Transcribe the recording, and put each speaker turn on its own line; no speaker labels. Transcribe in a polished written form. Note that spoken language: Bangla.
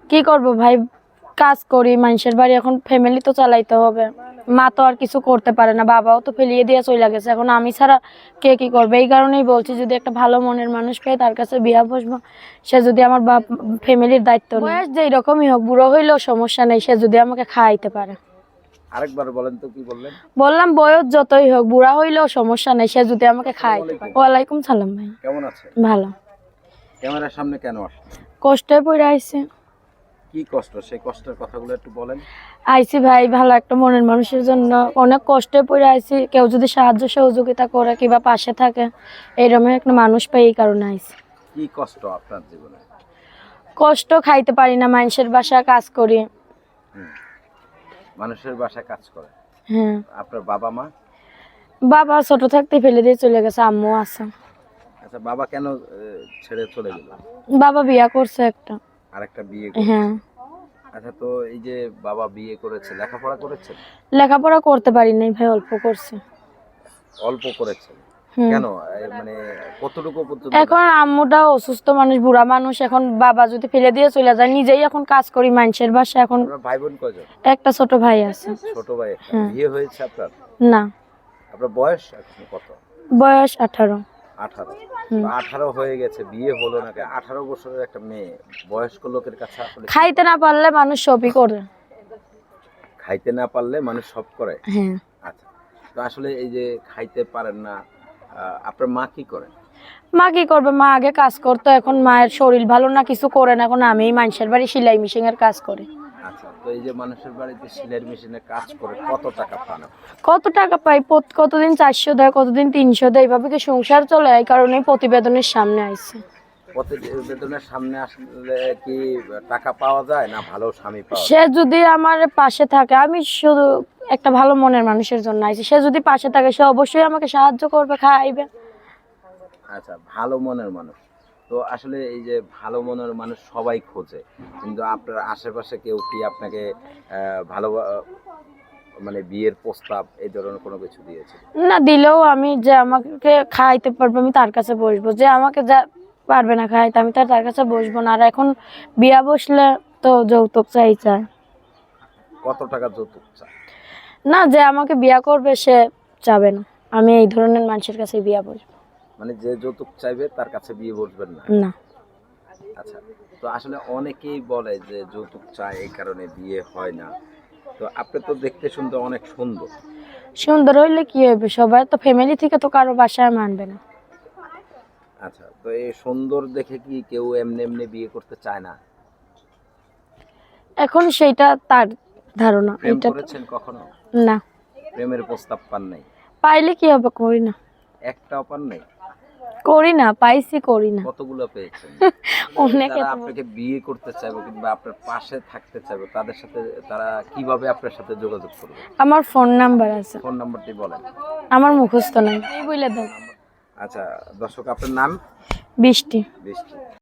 কি করব ভাই, কাজ করি মানুষের বাড়ি, এখন ফ্যামিলি তো চালাইতে হবে। মা তো আর কিছু করতে পারে না, বাবাও তো ফেলিয়ে দিয়ে চলে গেছে, এখন আমি ছাড়া কে কি করবে। এই কারণেই বলছি যদি একটা ভালো মনের মানুষ পাই তার কাছে বিয়া বসবো, সে যদি আমার বাপ ফ্যামিলির দায়িত্ব নেয়, বয়স যেই রকমই হোক, বুড়ো হইলেও সমস্যা নেই, সে যদি আমাকে খাওয়াইতে পারে।
আরেকবার বলেন তো, কি বললেন?
বললাম বয়স যতই হোক, বুড়া হইলেও সমস্যা নেই, সে যদি আমাকে খাওয়াইতে পারে। ওয়ালাইকুম সালাম ভাই।
কেমন আছেন?
ভালো।
ক্যামেরার সামনে কেন আসলেন?
কষ্টে পড়ে আইছে।
কি কষ্ট, সেই কষ্টের কথাগুলো একটু বলেন।
আইছি ভাই ভালো একটা মনের মানুষের জন্য, অনেক কষ্টে পড়ে আইছি। কেউ যদি সাহায্য সহযোগিতা করে কিংবা পাশে থাকে, এইরকম একটা মানুষ পাই, এই কারণে আইছি।
কি কষ্ট আপনার জীবনে?
কষ্ট, খাইতে পারি না, মানুষের বাসায় কাজ করি।
মানুষের বাসায় কাজ করে?
হ্যাঁ।
আপনার বাবা মা?
বাবা ছোট থাকতে ফেলে দিয়ে চলে গেছে, আম্মু আছে।
আচ্ছা, বাবা কেন ছেড়ে চলে গেল?
বাবা বিয়া করছে একটা।
আরেকটা বিয়ে?
হ্যাঁ।
আচ্ছা, তো এই যে বাবা বিয়ে করেছে, লেখাপড়া করেছেন?
লেখাপড়া করতে পারি নাই ভাই, অল্প করছে।
অল্প করেছেন? কেন, মানে কতটুকু পর্যন্ত?
এখন আম্মুটা অসুস্থ মানুষ, বুড়া মানুষ, এখন বাবা যদি ফেলে দিয়ে চলে যায়, নিজেই এখন কাজ করি মানুষের বাসায়। এখন
ভাই বোন কয়জন?
একটা ছোট ভাই আছে।
ছোট ভাই? বিয়ে হয়েছে আপনার?
না।
আপনার বয়স এখন কত?
বয়স 18।
18? 18 হয়ে গেছে, বিয়ে হলো না কেন? 18 বছরের একটা মেয়ে বয়স্ক লোকের কাছে আসলে
খাইতে না পারলে মানুষ সবই করে।
খাইতে না পারলে মানুষ সব করে?
হ্যাঁ।
আচ্ছা, তো আসলে এই যে খাইতে পারেন না, আপনার মা কি করে?
মা কি করবে, মা আগে কাজ করতো, এখন মায়ের শরীর ভালো না, কিছু করে না, এখন আমি মানুষের বাড়ি সেলাই মেশিন এর কাজ করি।
আচ্ছা, তো এই যে মানুষের বাড়িতে সেলাই মেশিনে কাজ করে কত টাকা পান?
কত টাকা পাই, কতদিন 400 দেয়, কতদিন 300 দেয়, এইভাবে কি সংসার চলে? এই কারণেই প্রতিবেদনের সামনে আইছে।
প্রতিবেদনের সামনে আসলে কি টাকা পাওয়া যায় না ভালো স্বামী পাওয়া যায়?
সে যদি আমার পাশে থাকে, আমি শুধু একটা ভালো মনের মানুষের জন্য আইছি, সে যদি পাশে থাকে সে অবশ্যই আমাকে সাহায্য করবে, খাওয়াইবে।
আচ্ছা, ভালো মনের মানুষ তো আসলে এই যে ভালো মনের মানুষ সবাই খোঁজে, কিন্তু আপনার আশেপাশে কেউ কি আপনাকে ভালো মানে বিয়ের প্রস্তাব এই ধরনের কোনো কিছু দিয়েছে?
না দিলেও আমি যে আমাকে খাইতে পারবে আমি তার কাছে বসবো, যে আমাকে যা পারবে না খাইতে আমি তার কাছে বসবো না। আর এখন বিয়া বসলে তো যৌতুক চাই।
কত টাকা যৌতুক চায়?
না, যে আমাকে বিয়া করবে সে চাবে না, আমি এই ধরনের মানুষের কাছে বিয়া বসবো।
মানে যে যৌতুক চাইবে তার কাছে বিয়ে বসবেন না?
না।
আচ্ছা, তো আসলে অনেকেই বলে যে যৌতুক চায় এই কারণে বিয়ে হয় না, তো আপনি তো দেখতে শুনতে অনেক সুন্দর।
সুন্দর হইলে কি হবে, সবাই তো ফ্যামিলি থেকে তো কারো বাসায় মানবে না।
আচ্ছা, তো এই সুন্দর দেখে কি কেউ এমনি এমনি বিয়ে করতে চায় না?
এখন সেইটা তার ধারণা।
প্রেম
এটা
করেছেন কখনো?
না।
প্রেমের প্রস্তাব পান নাই?
পাইলে কি হবে, করি না।
একটাও পান নাই?
করি না, পাইছি, করি না।
কতগুলো পেয়েছেন?
অনেক।
যারা আপনাকে বিয়ে করতে চাইবে কিংবা আপনার পাশে থাকতে চাইবে তাদের সাথে তারা কিভাবে আপনার সাথে যোগাযোগ করবে?
আমার ফোন নাম্বার আছে।
ফোন নাম্বারটি বলেন।
আমার মুখস্থ নাই, এই বলে দাও।
আচ্ছা দর্শক, আপনার নাম?
বৃষ্টি।
বৃষ্টি।